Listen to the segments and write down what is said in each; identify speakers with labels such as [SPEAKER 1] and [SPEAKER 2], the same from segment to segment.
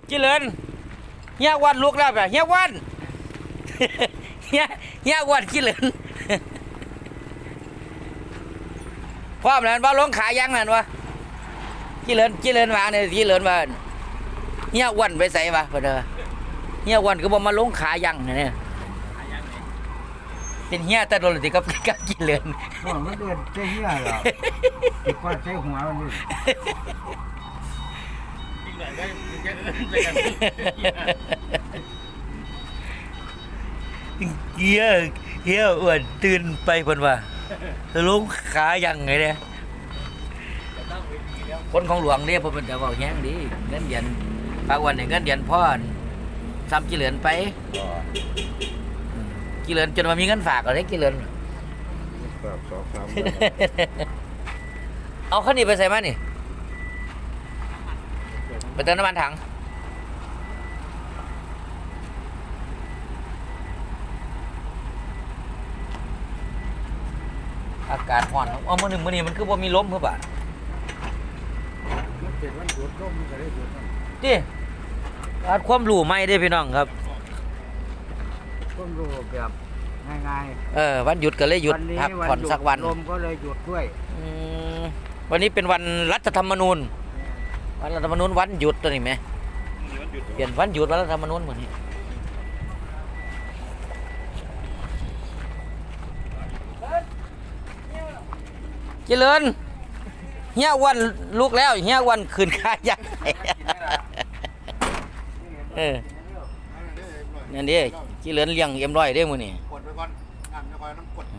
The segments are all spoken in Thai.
[SPEAKER 1] จิเลินเฮียวันลุกแล้วแบบเฮียวันเฮียวันจิเลินพร้อมแล้วว่าลงขายังนั่นวะจิเลินวางเนี่ยจิเลินว่าเฮียวันไปใส่วะเพื่อนเฮียวันก็บอกมาลงขายังเนี่ยเป็นเฮียแต่โดนติกับจิเลิน
[SPEAKER 2] มันเดือดใช่เหี้ยหรออีกคนใช้หัวมันดิ
[SPEAKER 3] อีกหน่อยก็จะไปกัน
[SPEAKER 1] เฮียอ้วนตื่นไปเพิ่นว่าลงขายังไงเนี่ยคนของหลวงเนี่ยเพิ่นจะบอกแห้งดีเงินเดือนปากวันเนี่ยเงินเดือนพ่อซ้ำจิเหลือนไปจิเหลือนจนมามีเงินฝากอะไรจิเหลือน
[SPEAKER 2] แบบสองสาม
[SPEAKER 1] เอาข้าวเหนียวไปใส่มานี่ไปเติมน้ำมันถังอากาศร้อนเอามื้อนี้มันคือบ่มีลมเพื่อบ่า
[SPEAKER 2] มันเป็นวันหยุดก็มันก็ได้หยุดนั่น
[SPEAKER 1] ดิอาจความรู้ใหม่เด้พี่น้องครับ
[SPEAKER 2] ต้นรูแบบง่าย
[SPEAKER 1] วันหยุดก็เลย
[SPEAKER 2] ๆ
[SPEAKER 1] หยุดพักผ่อนสักวัน
[SPEAKER 2] ลมก็เลยหยุดด้วย
[SPEAKER 1] วันนี้เป็นวันรัฐธรรมนูญวันรัฐธรรมนูญวันหยุดตัวนี้ไหมเปลี่ยนวันหยุดวันรัฐธรรมนูญเหมือนนี้เจริญเฮียวันลุกแล้วเฮียวันคืนค่ายักษ์นั่นดิเจริญเลี้ยงเอ็มร้อยได้มื้อนี่
[SPEAKER 3] กดไปก่อนอ่านไม่ค่อยน้ำกด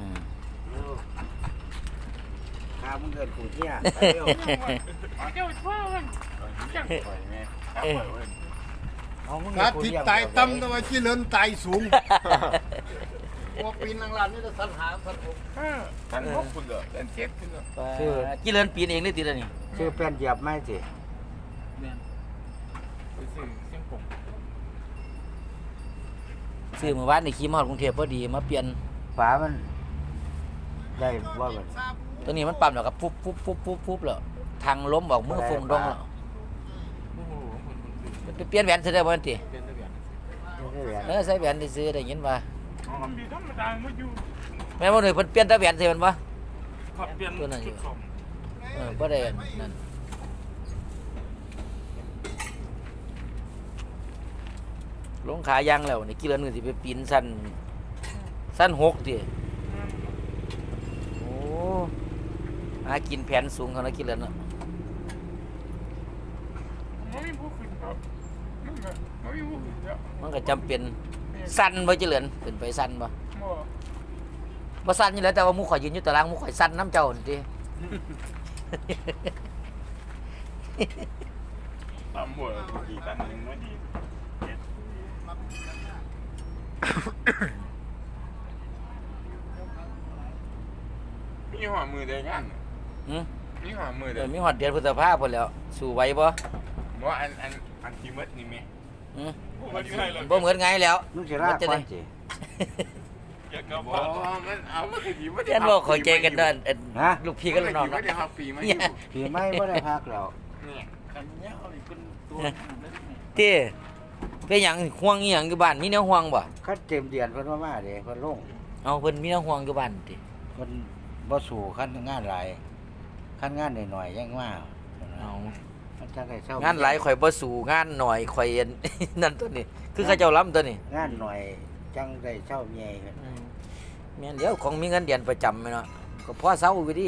[SPEAKER 2] ข้ามึงเดินขู่เที่ยไปเร็ว
[SPEAKER 3] เจ้าช่วยมันจังปล่อยแม่
[SPEAKER 2] เอามึง
[SPEAKER 4] การที่ตายต่ำแต่ว่าที่เลินตายสูงว่าปีนางลานนี่จะสัญหาสัญผม
[SPEAKER 3] ท่านพบคุณเหรอท่านเช็ดคุณเหรอ
[SPEAKER 1] เจริญปีนเองหรือติดอันนี้
[SPEAKER 2] ชื่อเป็นเหยียบไม่สิ
[SPEAKER 3] ไปซื้อเส้นผม
[SPEAKER 1] ซื้อเมื่อวานนี่ขี่มาฮอดกรุงเทพพอดีมาเปลี่ยน
[SPEAKER 2] ฝามันได้ว่ามัน
[SPEAKER 1] ตัวนี้มันปั๊มแล้วก็ปุ๊บแล้วทางล้มบอกมือฟงดงแล้ว
[SPEAKER 3] โอ้โหคนซื้อ
[SPEAKER 1] ไปเปลี่ยนแหวนซื้อได้บ่ทันติ
[SPEAKER 3] เป็นระเบียบ
[SPEAKER 2] ไม่ได้แหวน
[SPEAKER 1] ใส่แหวนที่ซื้อได้ยินว่า
[SPEAKER 3] มันมีธรรมดาไม่อยู่
[SPEAKER 1] แม่บ่หน่อยเพิ่นเปลี่ยนแต่แหวนซื้อมันบ่
[SPEAKER 3] ขับเปลี่ยนจุดสอง
[SPEAKER 1] บ่ได้นั่นลงขายังแล้วนี่กี่เดือนนึงสิไปปีนสั้น6ติโอ้หากินแผนสูงเขานะกี่เดือนเนาะ
[SPEAKER 3] ไม่มีผู้ขึ้นครับไม่มีผู้ขึ้นเยอะ
[SPEAKER 1] มันก็จำเป็นสั้นบ่เจริญขึ้นไปสั้นบ่
[SPEAKER 3] บ่
[SPEAKER 1] บ่สั้นอยู่แล้วแต่ว่าหมู่ข่อยยืนอยู่ตารางหมู่ข่อยสั้นน้ำเจ้านั่นติ
[SPEAKER 3] ตามหมดกี่ตันนึงไม่ดีมีหัวมือได้งาน
[SPEAKER 1] หือ
[SPEAKER 3] มีหัวมือ
[SPEAKER 1] เดี๋
[SPEAKER 3] ได้
[SPEAKER 1] ยวมีฮอดเดือนพฤษภาพุ่นแล้วสู้ไหวบ่
[SPEAKER 3] บ่อันที่มัดนี่แม่
[SPEAKER 1] หือ
[SPEAKER 3] บ่
[SPEAKER 1] บ่เหมือนไงแล้ว
[SPEAKER 2] มึงจะลากก่อนสิ
[SPEAKER 3] อยากกลับบ่มันเอามันคือดีบ่
[SPEAKER 1] เรียนบ่เข้าใจกันเด้อ
[SPEAKER 2] ฮะ
[SPEAKER 1] ลูกพี่กับลูกน้อง
[SPEAKER 3] ไม่
[SPEAKER 1] เนาะ
[SPEAKER 3] ได้ฮับปีมาอ
[SPEAKER 1] เนี่ย
[SPEAKER 3] ยู่
[SPEAKER 2] ผีไม่ได้พักแล้ว
[SPEAKER 3] เนี่ยคันเนี้ยเอาอีกเป็นตัว
[SPEAKER 1] เต้เป็นหยังห่วงอีหยังอยู่บ้านมีแนวห่วงบ่
[SPEAKER 2] คัดเต็มเดือนเพิ่นมาเด้เพิ่นลง
[SPEAKER 1] เอาเพิ่นมีแนวห่วงอยู่บ้านติ
[SPEAKER 2] มันบ่สู่ขั้นงานหลายขั้นงานหน่อยๆยังว่า
[SPEAKER 1] เอา
[SPEAKER 2] มันจังได้เช่าง
[SPEAKER 1] านหลายข่อยบ่สู้งานหน่อยข่อยอัน นั่นตัวนี้คือเขาเจ้าล้ำตัวนี้
[SPEAKER 2] งานหน่อยจังได้เช่าเมียกัน
[SPEAKER 1] แม่นเดี๋ยวของมีเงินเดือนประจำแม่นเนาะก็พอเซาอยู่ดิ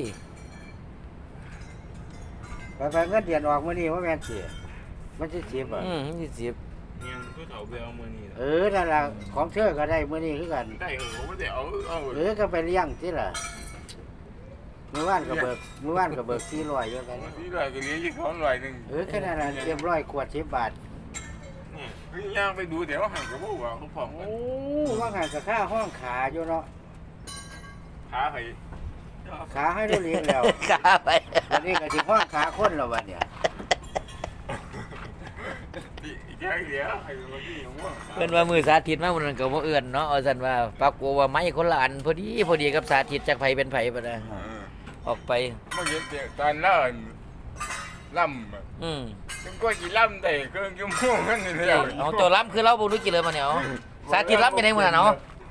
[SPEAKER 2] ไปเงินเดือนออกมื้อนี้ว่าแม่นสิมันสิ10อ่ะ
[SPEAKER 1] 20
[SPEAKER 3] ยังผู้เฒ่าไปเอามือนี่
[SPEAKER 2] นั่นล่ะของเธอก็ได้มื้อนี้คือกัน
[SPEAKER 3] ได้เหรอไม่ได้เอา
[SPEAKER 2] ก็ไปเลี้ยงสิล่ะมื้อวานก็เบิก400อยู่กัน
[SPEAKER 3] ที่ลอยก็เลี้ยงยี่เขาลอยหนึ่ง
[SPEAKER 2] แค่นั้นน่ะเตรียม100ขวด10บาท
[SPEAKER 3] เนี่ยคือย่างไปดูเดี๋ยวห่างกับพวกว่าเขาผอม
[SPEAKER 2] โอ้ว่าไงก็ค่าห้องขาอยู่เนาะ
[SPEAKER 3] ขาใคร
[SPEAKER 2] ขาให้ดูเลี้ยงแล้ว
[SPEAKER 1] ขาไป
[SPEAKER 2] วันนี้ก็สิห้องขาคนแล้วบัดเนี่ย
[SPEAKER 3] แค่เดียวใครมาที่หัว
[SPEAKER 1] เพิ่นว่ามือสาธิตมามื้อนั้นก็บ่เอื้อนเนาะเอาซั่นว่าปรากฏว่าไม้คนละอันพอดีกับสาธิตจักไผเป็นไผบ่ได้ออกไป
[SPEAKER 3] มาเห็นเด็กตอนนั้นล่ำอะ
[SPEAKER 1] อืม
[SPEAKER 3] ถึงก็กี่ล่ำได้เครื่องชั่วโมงนั่นนี่แหละ
[SPEAKER 1] เอาตัวล้ำคือเราบ่รู้กี่เลยมาเนี่ยเอาสาธิตล้ำไปไหนมื้อน่ะเนาะ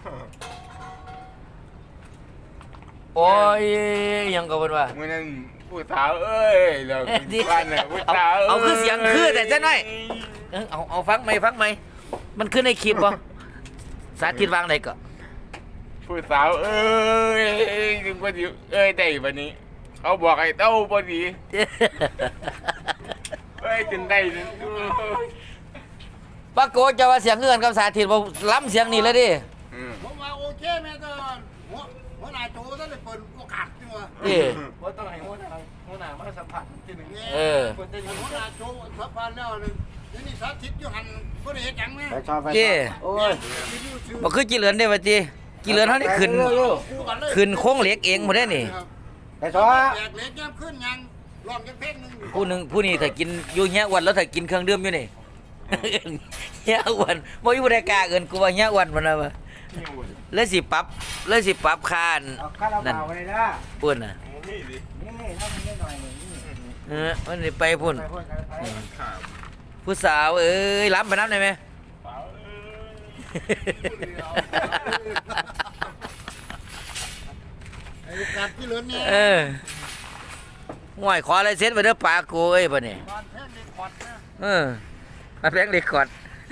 [SPEAKER 1] โอ้ยยังก็เพิ่นว่า
[SPEAKER 3] มื้อนั้นผู้สาวเอ้ยแล้ว
[SPEAKER 1] ดิ
[SPEAKER 3] บ้านน่ะผู้สาว
[SPEAKER 1] เอาคือเสียงคือแต่จังหน่อย เอาฟังไหมฟังไหมมันขึ้นในคลิปบ่สาธิตวางไหนก็
[SPEAKER 3] ผู้สาวเอ้ยถึงก็สิเอ้ยได้บัดนี้ เขาบอกให้เต้าพอดีเอ้ยจนได้นี่
[SPEAKER 1] ปรากฏจะว่าเสียงเงื่อนกับสาธิตบ่ล้ำเสียงนี่เลยดิ
[SPEAKER 3] อืม
[SPEAKER 4] ผมว่าโอเคแม่ตอนหัวหน้าโจท่านได้เปิดโอกาสจังวะ
[SPEAKER 1] ดิ
[SPEAKER 2] ว่าต้องให้หัวหน้ามาสัมผัสทีหนึ่ง
[SPEAKER 1] เออ
[SPEAKER 4] หัวหน้าโจสัมพันธ์แล้วนึงนี่สาธิตอยู่หันบ่ได้เฮ็ดหยังแม่
[SPEAKER 2] ไปชอบไป
[SPEAKER 1] เจ้
[SPEAKER 2] โอ้ย
[SPEAKER 1] บ่คือจิเหลือนได้ว่าติจิเหลือนเฮาได้ขึ้น ขึ้นโค้งเหล็กเองบ่ได้นี่
[SPEAKER 2] ไปชอบ
[SPEAKER 4] แบกเล็กย่ำขึ้นยังลองยังเพลงนึง
[SPEAKER 1] ผู้นี้ถ้ากินอยู่เฮียอ้วนแล้วถ้ากินเครื่องดื่มอยู่นี่ เฮียอ้วนบ่มีผู้ใดกล้าเอิ้นกูว่าเฮียอ้วนมันน่ะว่าเลยสิปรับค่า
[SPEAKER 2] เอาข้าวเราเปล่าไปเลยนะ
[SPEAKER 1] ปุ่นน่ะ
[SPEAKER 3] นี่ดิ
[SPEAKER 2] นี่ถ้ามันนิดหน่อยหนึ่งนี่
[SPEAKER 1] มันสิไปพุ่น
[SPEAKER 2] ไปพ่นกันไป
[SPEAKER 3] ครับ
[SPEAKER 1] ผู้สาวเอ้ยล้ำไปน้ำได้ไหม
[SPEAKER 3] สาวเอ้ย
[SPEAKER 4] ไอ้การที่เหลือเนี่ย
[SPEAKER 1] เออห่วยขออะไรเซ็ตไปเด้อปลากูเอ้ยบ่นี่
[SPEAKER 4] ตอนแพงเด็กขอดนะ
[SPEAKER 1] เออมาแพงเด็กก่อน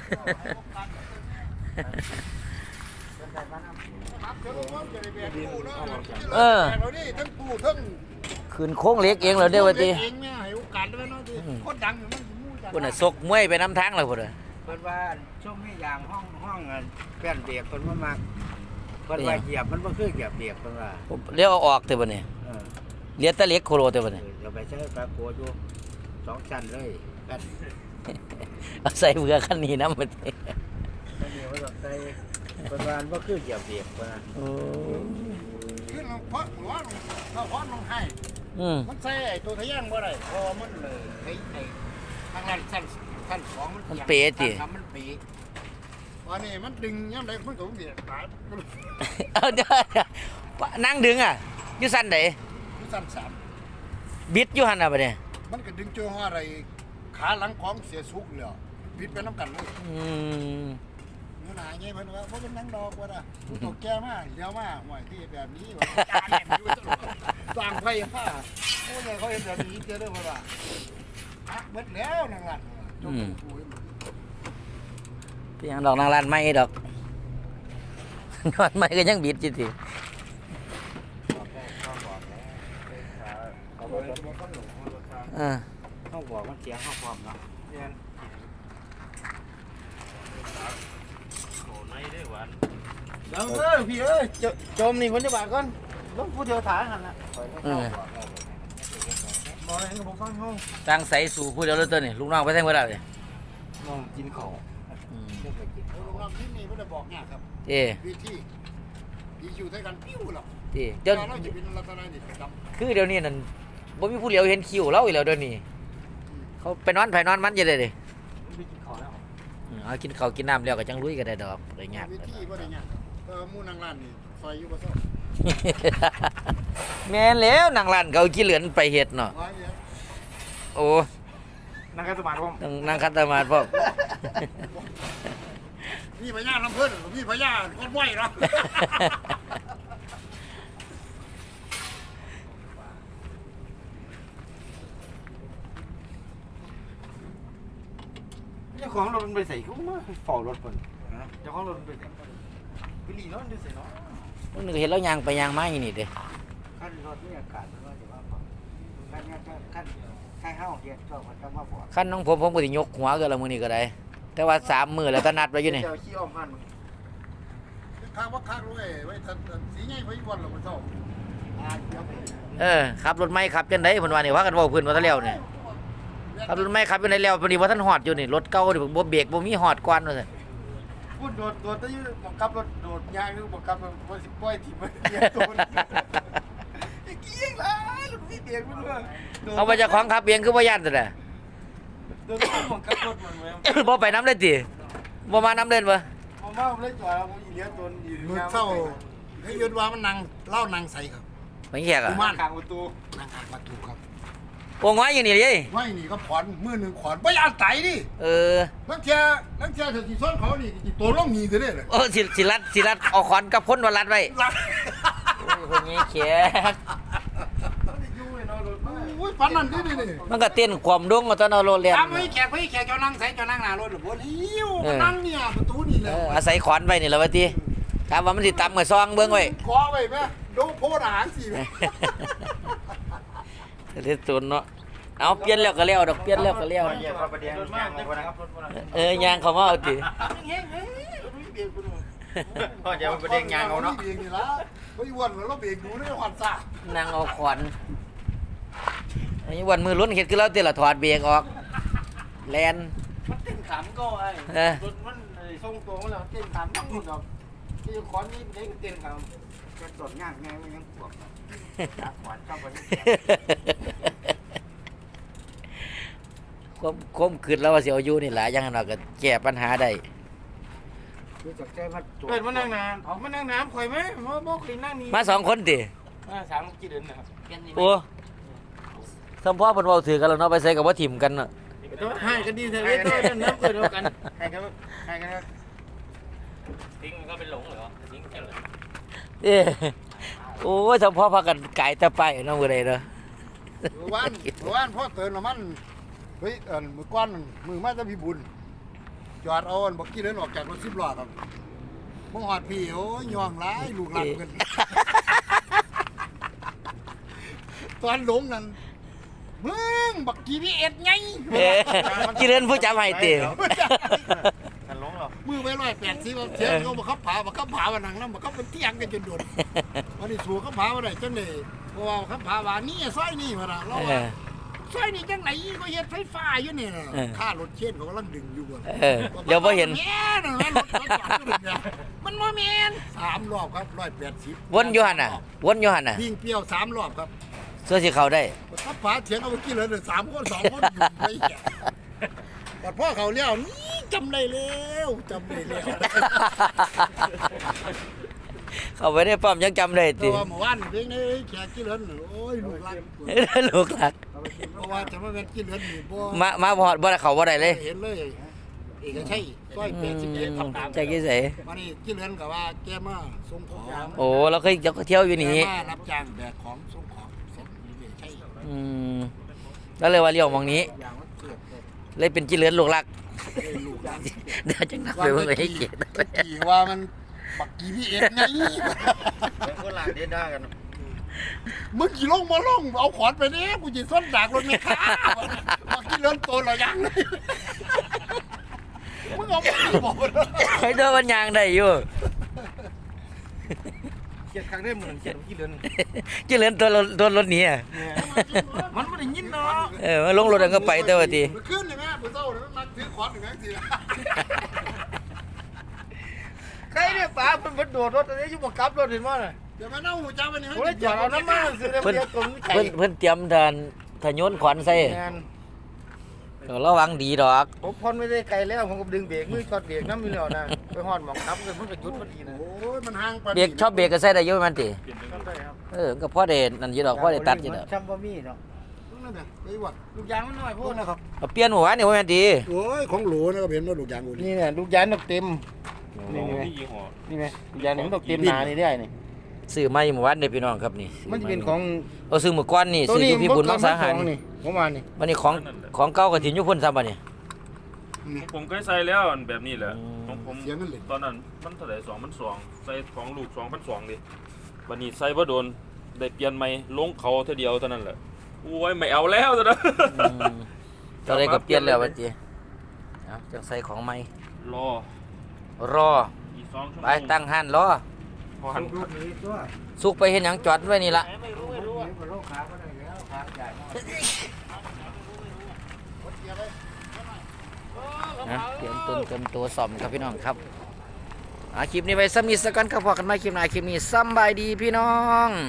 [SPEAKER 4] ครับเดี๋ยวผมจะได้แบกปูเนาะ
[SPEAKER 1] เออ
[SPEAKER 4] แบกเราดิทั้งปูทั้ง
[SPEAKER 1] ขึ้นโค้งเหล็กเองเหรอเด้อว่าติ
[SPEAKER 4] เองเนี่ยให้โอกาสด้วยเนาะดิคนดังอยู่มันมู่จัง
[SPEAKER 1] พุ่นน่ะซกมวยไปน้ำทางแล้วพุ่นน่ะ
[SPEAKER 2] เพิ่นว่าช่วงนี้อย่างห้องแป้นเบียกเพิ่นว่ามากเพิ่นว่าเหยียบมันบ่คือเหยียบเบียกเพิ่นว่า
[SPEAKER 1] เลี้ยวเอาออกเด้อบ่นี่
[SPEAKER 2] เออ
[SPEAKER 1] เหลียดแตะเหล็กโคโลเด้อบ่นี่
[SPEAKER 2] เราไปใช้ปลาโกอยู่2ชั้นเลยแป้น
[SPEAKER 1] เอาใส่เบื่อคันนี้นำบ่ติ
[SPEAKER 2] แล้วเดี๋ยวเราใส่เพิ่นว่ามันบ่คือเหยียบเบียกเพิ่นว่า
[SPEAKER 1] โอ้
[SPEAKER 4] ขึ้นลงเพราะหัวลงถ้าหัวลงให้
[SPEAKER 1] อืม
[SPEAKER 4] มันใส่ไอ้ตัวทะแยงบ่ได้พอมันเลยไอ้ทางนั้นสั้นสองมัน
[SPEAKER 1] มันเป๋ติ
[SPEAKER 4] ครับมันเป๋วันนี้มันดึงย่ำใดมันก็เบียดตาย
[SPEAKER 1] เอาเดี๋ยวนั่งดึงอ่ะอยู่สั่นใด
[SPEAKER 4] มันสั้นสาม
[SPEAKER 1] บิดอยู่หั่นน่ะบ่นี่
[SPEAKER 4] มันก็ดึงเจอว่าอะไรขาหลังของเสียสุกเลยบิดไปน้ำกันเลย
[SPEAKER 1] อืม
[SPEAKER 4] เนื้อหนาไงเพิ่นว่าเพราะเป็นนังดอกว่าน่ะผู้ตกแก่มากเดี๋ยวมาห่วยที่แบบนี้ว่าจานแหลมอยู่ตลอดสร้างไฟฟ้าโอ้ยเขาเห็นแบบนี้เจอเด้อเพิ่นว่าอ่ะเบิดแล้วนางหลันจบกูให้มัน
[SPEAKER 1] เป็นหยังดอกนางลานไม้ดอก นอนไม้ก็ยังบิดจิติ
[SPEAKER 2] เขาบอกว่าเขาหลงรถทาง
[SPEAKER 1] เออ
[SPEAKER 2] เขาบอกมันเสียงเขาพร้อมเนาะเรียน
[SPEAKER 4] เดี๋ยวพี่เอ้ยจมนี่คนจะบาดก่อนต้องผู้เดียวถ่ายหันละ
[SPEAKER 1] เออ
[SPEAKER 4] บอกให้กับผมฟังห้อง
[SPEAKER 1] ตั้งใส่สู่ผู้เดียวเลยตัวนี่ลูกน้องไปแท่งเวลาเลย
[SPEAKER 2] น้องกินของ
[SPEAKER 1] อืม
[SPEAKER 2] เพื่อไปกิน
[SPEAKER 4] โรงแรมที่นี่เพิ่นจะบอกเนี่ยครับ
[SPEAKER 1] เจ้
[SPEAKER 4] วิธีดีอยู่ด้วยกันปิ้วหรอก
[SPEAKER 1] เจ้
[SPEAKER 4] เดี๋
[SPEAKER 1] เดี๋
[SPEAKER 4] ย
[SPEAKER 1] ยว ว
[SPEAKER 4] เราจะเป็นลักษณะนี้ครับ
[SPEAKER 1] คือเดี๋ยวนี้นั่นบ่มีผู้เหลียวเห็นคิวเราอีกแล้วเดี๋ยวนี้เขาไปนอนไผนอนมันจะได้เด้
[SPEAKER 2] ไปกินของแล้ว
[SPEAKER 1] เอากินข้าวกินน้ำแล้วก็จังลุยก็ได้ดอกได้ยาก
[SPEAKER 4] วิธีบ่ได้ยากมู่นางร้านนี่ซอยอยู่บ่ซ่อ
[SPEAKER 1] แม่นแล้วนางร้านเขาขี้เหลือนไปเฮ็ดเนาะ
[SPEAKER 4] ว่าเนี่ย
[SPEAKER 1] โอ้
[SPEAKER 2] นั่งกันสมาธิผม
[SPEAKER 1] ต้องนั่งคัตมาดพร้อม
[SPEAKER 4] มีพญาลำเพิ่นมีพญาคนไหวเนาะ
[SPEAKER 2] เจ้าของรถมันไปใส่เขามาเฝ้ารถคนเจ้าของรถมันไปใส่ไปหลีรถมันไปใส่เนาะ
[SPEAKER 1] มึงนึกเห็นแล้วยางไปยางมาอยู่นี่เด้
[SPEAKER 2] ขั้นรถนี่อากาศมันก็จะว่าขั้นขั้นห้าเกียร์ชอบมันจะมาบอก
[SPEAKER 1] คันน้องผมก็สิยกหัวก็ละมื้อนี้ก็ได้ แต่ว่า3มื้อแล้วก็นัดไว้อยู่นี่
[SPEAKER 2] เจ้าขี้อ้อมมัน
[SPEAKER 4] ข้างว่าข้างรวยไว้ทันสีใหญ่ไว้วันละมันเท่าเดี๋ยวไป
[SPEAKER 1] เออขับรถไม่ขับจังได๋เพิ่นว่านี่ว่ากันเว้าเพิ่นว่าซะแล้วนี่ขับรถไม่ขับจังได๋แล้วพอดีว่าท่านฮอดอยู่นี่รถเก่านี่บ่เบรกบ่มีฮอดก่อนว่าซั่น
[SPEAKER 4] พูดโดดตะยืบังคับรถโดดยางหรือบังคับบ่สิปล่อยที่มันเกียร์โดนไอ้เกี้ยงล่ะลูกพี่เบียกมันว่า
[SPEAKER 1] เอาไปเจ้าของขับเองคือบ่ย่านซั่นน่ะ
[SPEAKER 2] โดนบังคับรถมันไว้
[SPEAKER 1] บ่ไปน้ำเลยติบ่มาน้ำเล่นบ่
[SPEAKER 2] ผมว่าผมเล่นจอยแล้วผมอีเลี้ยงตัวอยู่
[SPEAKER 4] มือเศร้าให้ยืนว่ามันนั่งเล่านั่งใส่ครับ
[SPEAKER 1] ไม่แขกอ่ะ
[SPEAKER 2] บ้านข้างประตู
[SPEAKER 4] นั่งข้างประตูครับ
[SPEAKER 1] โโอ้ง้อยอยู่นี่เลย
[SPEAKER 4] ไม่นี่ก็ขอนมือหนึ่งขอนไม่ยานไตดิ
[SPEAKER 1] เออ
[SPEAKER 4] นักเทียเธอสีส้นเขานี่ตัวล่องมีจะได้เลย
[SPEAKER 1] โอ้สิรัดเอาขอนกับพ้นวันรัดไว้
[SPEAKER 4] รัก
[SPEAKER 1] โอ้ยคนนี้เขียน
[SPEAKER 4] โอ้ยปันนั่นดิ
[SPEAKER 1] มันก็เต้นความดงเอาตอนเอาโรเลียน
[SPEAKER 2] ตามให้แขกเจ้านั่งใส่เจ้านั่งหน้ารถหรือบ่หิว
[SPEAKER 4] นั่งเนี่ยประตูนี่เล
[SPEAKER 1] เอย ออาศัยขอนไว้นี่แหละวะทีถามว่ามันสิตำกับซองเบิ่งไว้
[SPEAKER 4] ขอไว้ไหมดูโพดอาหารสิ
[SPEAKER 1] เด็ดตุนเนาะเอาเปลี่ยนแล้วก็แล้วดอกเปลี่ยนแล้วก็แล้ว
[SPEAKER 2] เหยียบพระประเดียงย่างออกมานะครับ
[SPEAKER 1] ยางเขามาเอาติ
[SPEAKER 2] พ่อจะพระประเดียงย่างเอาเนาะ
[SPEAKER 4] เบรกนี่ละไม่วันเราเบรกดูได้หวั่นซ่า
[SPEAKER 1] นั่งเอาขอนอันนี้วันมือลุ้นเฮ็ดคือเราเตะละถอดเบรกออกแลน
[SPEAKER 2] มันเต้นขำก็ไอ้
[SPEAKER 1] เออ
[SPEAKER 2] รถมันทรงตัวมันแล้วเต้นขำต้องหมดดอกที่ขอนนี้เด็กเต้นขำจะตดย่างไงมันยังปวดจากขวานเข้าไป
[SPEAKER 1] คมขึ้นแล้วว่าสิเอาอยู่นี่ล่ะอยังนั้นก็แก้ปัญหาได้
[SPEAKER 2] คือจากใจมัน
[SPEAKER 3] เปิดมานั่งน้ำมานั่งน้ำข่อยไหมบ่เคยนั่งนี่
[SPEAKER 1] มาสองคนติ
[SPEAKER 3] 3กี่เดือนนะครับ
[SPEAKER 1] โอ้สมพ่อเพิ่นเว้าถือกันแล้วเนาะไปใส่กับว่าถิ่มกันเนาะ
[SPEAKER 3] ให้กันดีเถอะเว้ยตัวน้ำเกิดเดียวกัน
[SPEAKER 2] ให้กันครับ
[SPEAKER 3] ทิ้งมันก็เป็นหลงเหรอทิ้งแค่เลย
[SPEAKER 1] เอ้โอ้ยสมพ่อพากันไก่ตะไปเนาะมื้อใดเนาะ
[SPEAKER 4] วันพ่อเตือนละมันเฮ้ยมือก้อนมือมาจะพี่บุญจอดเอาบอกกี้เดินออกจากรถ10 ล้อครับมองหอดพี่โอ้ยย่องร้ายลูกหลังกันตอนหลงนั่นมึงบักกี้นี่เอ็ดไง
[SPEAKER 1] เอ้กิเล่นผู้จำให้ติ
[SPEAKER 2] กันหลงหรอ
[SPEAKER 4] มือไป180ว่าเสียงเขาบักขับผาวันนังแล้วบักขับเป็นเที่ยงกันจนโดนวันนี้สู้ขับผาวันไหนจังเลยเพราะว่าขับผาว่านี่ซอยนี่มาละเราว่าซอยนี่จังไหนก็เฮ็ดไฟฟ้าอยู่นี่นะค่ารถเช่นเขากำลังดึงอยู่บ่
[SPEAKER 1] เดี๋ยวบ่เห็น
[SPEAKER 4] แม่นรถจอดอยู่เนี่ยมันบ่แม่น3 รอบครับ180
[SPEAKER 1] วนอยู่หั่นน่ะวนอยู่หั่นน่ะ
[SPEAKER 4] วิ่งเปรี้ยว3 รอบครับ
[SPEAKER 1] ส่วนสิเข้าได้
[SPEAKER 4] ขับผาเถียงเอาเมื่อกี้เลย3 คน 2 คนอยู่ไปแก่แต่พ่อเขาเลี้ยวนี่จำได้แล้วจำได้แล้ว
[SPEAKER 1] เข้าไปในป้อมยังจำได้
[SPEAKER 4] เพ
[SPEAKER 1] ติ
[SPEAKER 4] ราะว่าเมื่อวานเพลงนี้แขกกี่เหลินโอ้ยลูกหลาน
[SPEAKER 1] ลูกหลัก
[SPEAKER 4] เพราะว่าจะมาเป็นกี่เหลินนี่บ่
[SPEAKER 1] มาพอดบ่ได้เข้าบ่ได้เลย
[SPEAKER 4] เห็นเลยเอกชัยซอย81ทำตาม
[SPEAKER 1] ใจกี่ไส
[SPEAKER 4] วันนี้กี่เหลินก็ว่าแกมาส่งของ
[SPEAKER 1] โอ้เราเคยเที่ยวอยู่นี่
[SPEAKER 4] แกมารับจ้างแบกของส่งของเสร็จเอกชัย
[SPEAKER 1] แล้วเลยว่าเลี้ยวหมองนี้
[SPEAKER 4] อย่างว่าเกิด
[SPEAKER 1] เลยเป็นจิเหลือนลูกหลัก
[SPEAKER 4] ลูกหลาน
[SPEAKER 1] เดี๋ยวจังนักไปเบิ่งให้เกียรติ
[SPEAKER 4] ตะกี้ว่ามันบักกี้พี่เอ็ดไง
[SPEAKER 2] คนหลังเด็ดได้กัน
[SPEAKER 4] มึงกี่ลงมาลงเอาขอนไปเนี่ยกูจะส้นดากรถไม่ค้าบักกี้เหลินโตแล้วยังเลยมึงเอาไปบอก
[SPEAKER 1] ให้เดินวันยางได้อยู่
[SPEAKER 2] เขียดครั้งได้เหมือนเขียดกี่เดือน
[SPEAKER 1] จิเหลือนตัวรถหนีอ่ะ
[SPEAKER 2] มันไม่ได้ยินเนาะ
[SPEAKER 1] มาลงรถแล้วก็ไปแต่ว่าที
[SPEAKER 4] มันขึ้นเลยแม่ปืนเต้าเนี่ยมันมาถือขอนหนึ่งทีละ
[SPEAKER 2] ใครเนี่ยป๋ามันโดดรถอะไรอยู่บนกับรถเห็นมั้ย
[SPEAKER 4] เดี๋ยวมาเน่าหูจ้าวันนี้
[SPEAKER 2] โอ้ยจอดเอาน้ำมันซื้อได้
[SPEAKER 1] เพิ่น
[SPEAKER 2] เดียวตรงไก่
[SPEAKER 1] เพิ่นเตรียมทานโยนขวานใส่
[SPEAKER 2] งาน
[SPEAKER 1] เดี๋ยวระวังดีดอก
[SPEAKER 2] ผมพอนไม่ได้ไกลแล้วผมก็ดึงเบรกมือช็อตเบรกน้ำมีแล้วนะไปหอดหมองทับเลยมันก็ยุดพอดีนะ
[SPEAKER 4] โอ้ยมันห่างไป
[SPEAKER 1] เบรกชอบเบรกก็ใส่ได้อยู่มันติ
[SPEAKER 2] ทำได้ครับ
[SPEAKER 1] ก็พ่อได้นั่นอยู่ดอกพ่อได้ตัดอยู่ดอก
[SPEAKER 2] จำบ่มีเนาะ
[SPEAKER 4] นั่นน่ะไอ้วัด
[SPEAKER 2] ลูกยางมันน้อยโพดนะครับ
[SPEAKER 1] เอาเปลี่ยนหัวนี่ว่าแม่นดี
[SPEAKER 4] โอ้ยของหลูนะครับเห็นว่าลูกยางกูนี่
[SPEAKER 2] นี่เนี่ยลูกยางนกเต็ม
[SPEAKER 3] นี่ยี่ห้อ
[SPEAKER 2] นี่ไงลูกยางนกเต็มหนานี่ได้นี่
[SPEAKER 1] ซื้อมาอยู่เมื่อวานนี่พี่น้องครับนี่
[SPEAKER 2] มันจะเป็นของ
[SPEAKER 1] เอาซื้อมื้อก่อนนี่ซื้ออยู่พี่บุญมังสาหาร
[SPEAKER 2] นี่ผมว่านี่
[SPEAKER 1] วันนี้ของเก่าก็ถิ่นอยู่พุ่นซ้ำบัดนี้
[SPEAKER 3] ผมเคยใส่แล้วแบบนี้แหละ
[SPEAKER 1] อืม
[SPEAKER 3] ของผม
[SPEAKER 4] เสียเงินเลย
[SPEAKER 3] ตอนนั้นมันเท่าไหร่2,200ใส่ของลูก2,200ดิวันนี้ใส่บ่โดนได้เปลี่ยนใหม่ลงเขาเท่าเดียวเท่านั้นแหละโอ้ยไม่เอาแล้วซะนะ
[SPEAKER 1] ตอนนี้ก็เปลี่ยนแล้วบัดนี้เอาจังใส่ของใหม่
[SPEAKER 3] รอ
[SPEAKER 1] รอ
[SPEAKER 3] อีก2 ชั่วโมง
[SPEAKER 1] ไปตั้งหันรอ
[SPEAKER 3] พอหัน
[SPEAKER 2] ลูกนี้ตัว
[SPEAKER 1] สุกไปเห็นหยังจอดไว้นี่ละ
[SPEAKER 2] ไม่รู้ว่าโรคขาก็ได้แล้วขาใหญ่มาก
[SPEAKER 1] นะเตรียมต้นเตรียมตัวซ่อมครับพี่น้องครับคลิปนี้ไปซ้ำนี้สักกันครับพอกันไหมคลิปหน้าคลิปนี้ซ้ำบายดีพี่น้อง